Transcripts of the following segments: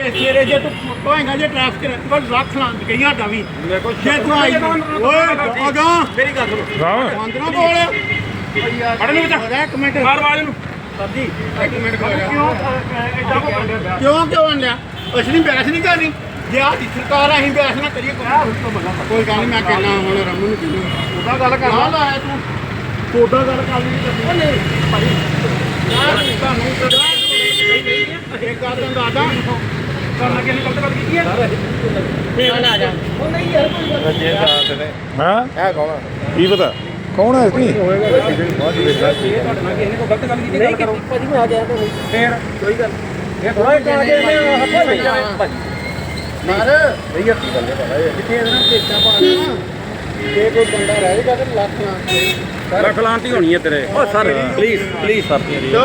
ਸਵੇਰੇ ਜੇ ਤੂੰ ਹੋਏਗਾ ਜੇ ਟ੍ਰੈਫਿਕ ਕੋਲ ਲੱਖ ਲਾਂ ਗਈ ਸਾਡਾ ਵੀ ਜੇ ਤੂੰ ਆਈ ਓਏ ਅਗਾ ਮੇਰੀ ਗੱਲ ਸੁਣੋ ਬੰਦ ਨਾ ਬੋਲ ਫੜ ਨੂੰ ਬੱਚਾ ਇੱਕ ਮਿੰਟ ਮਾਰ ਆਵਾਜ਼ ਨੂੰ ਸਰਦੀ ਇੱਕ ਮਿੰਟ ਕਿਉਂ ਆਂਡਿਆ ਅਸੀਂ ਨਹੀਂ ਬਹਿਸ ਨਹੀਂ ਕਰਨੀ ਜੇ ਆਹ ਦੀ ਸਰਕਾਰ ਅਸੀਂ ਬਹਿਸ ਨਾ ਕਰੀਏ ਕੋਈ ਗੱਲ ਨਹੀਂ ਮੈਂ ਕਹਿਣਾ ਹੁਣ ਰਮਨ ਨੂੰ ਕਿਹਨੂੰ ਉਹਦਾ ਗੱਲ ਕਰ ਨਾ ਲਾਇਆ ਤੂੰ ਉਹਦਾ ਗੱਲ ਕਰ ਨਹੀਂ ਭਾਈ ਤੁਹਾਨੂੰ ਇੱਕ ਗੱਲ ਤਾਂ ਦਾਦਾ ਕਰਨਾ ਕਿਹਨੇ ਗਲਤ ਗੱਲ ਕੀਤੀ ਹੈ ਫੇਰ ਆ ਜਾ ਉਹ ਨਹੀਂ ਯਾਰ ਕੋਈ ਹਾਂ ਹੈ ਕੌਣ ਕੀ ਪਤਾ ਕੌਣ ਹੈ ਇਸਨੀ ਤੁਹਾਡੇ ਨਾਲ ਕਿਸੇ ਨੇ ਕੋਈ ਗਲਤ ਗੱਲ ਕੀਤੀ ਨਹੀਂ ਕੀਤੀ ਭਾਜੀ ਮੈਂ ਆ ਗਿਆ ਫੇਰ ਕੋਈ ਗੱਲ ਇਹ ਥੋੜਾ ਇੱਕ ਆ ਕੇ ਹੱਥ ਸਹੀ ਜਾਵੇ ਭਾਜੀ ਮਾਰ ਸਹੀ ਹੱਥੀ ਗੱਲ ਹੈ ਭਾਈ ਕਿੱਥੇ ਇਹਨਾਂ ਟੇਕਾ ਪਾਣਾ ਜੇ ਕੋਈ ਬੰਦਾ ਰਹੇਗਾ ਤੇ ਲੱਖ ਲਾਂਟੀ ਹੋਣੀ ਹੈ ਤੇਰੇ ਓ ਸਰ ਪਲੀਜ਼ ਸਰ ਚਲੋ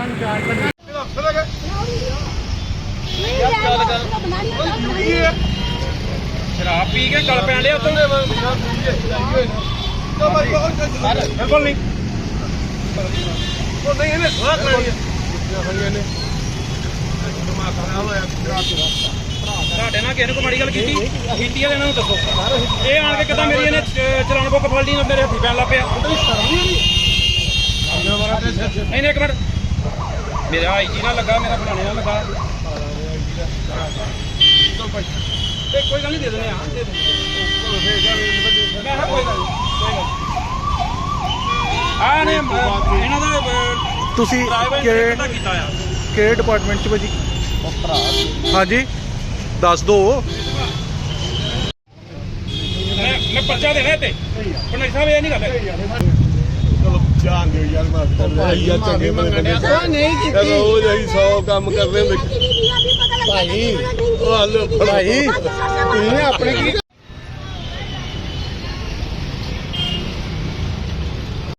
ਸ਼ਰਾਬ ਪੀ ਕੇ ਗਲ ਪੈਣ ਡਿਆ ਉੱਤੋਂ ਬਿਲਕੁਲ ਨਹੀਂ ਉਹ ਨਹੀਂ ਇਹਨੇ ਸਵਾਹ ਕਰਾਣੀ ਹੈ ਤੁਹਾਡੇ ਨਾਲ ਕਿਸੇ ਨੇ ਕੋਈ ਮਾੜੀ ਗੱਲ ਕੀਤੀ ਕੀਤੀ ਹੈ ਇਹਨਾਂ ਨੂੰ ਦੱਸੋ ਇਹ ਆਣ ਕੇ ਕਿਦਾਂ ਮੇਰੀ ਇਹਨੇ ਚਲਾਨ ਬੁੱਕ ਫੜ ਲਈ ਮੇਰੇ ਹੱਥੀ ਪੈਣ ਲੱਗ ਪਿਆ ਨਹੀਂ ਇੱਕ ਮਿੰਟ ਮੇਰਾ ਆਈਜੀ ਨਾਲ ਲੱਗਾ ਮੇਰਾ ਫਲਾਣੇ ਨਾਲ ਲੱਗਾ ਕੋਈ ਗੱਲ ਨਹੀਂ ਦੇ ਦਿੰਦੇ ਆ ਮੈਂ ਕੋਈ ਗੱਲ ਨਹੀਂ ਇਹਨਾਂ ਦਾ ਤੁਸੀਂ ਕਿਹੜੇ ਡਿਪਾਰਟਮੈਂਟ ਚ ਭਾਜੀ ਹਾਂਜੀ ਦੱਸ ਦੋ ਮੈਂ ਪਰਚਾ ਦੇਣਾ ਤੇ ਪੰਡਿਤ ਸਾਹਿਬ ਇਹ ਨਹੀਂ ਗੱਲ ਚਲੋ ਜਾਣ ਦਿਓ ਯਾਰ ਮਾਫ ਕਰ ਯਾਰ ਚੰਗੇ ਬੰਦੇ ਨੇ ਨਹੀਂ ਕੀਤੀ ਉਹ ਜਹੀ 100 ਕੰਮ ਕਰਦੇ ਹੁੰਦੇ ਭਾਈ ਉਹ ਹੱਲ ਭਾਈ ਤੁਸੀਂ ਆਪਣੇ ਕੀ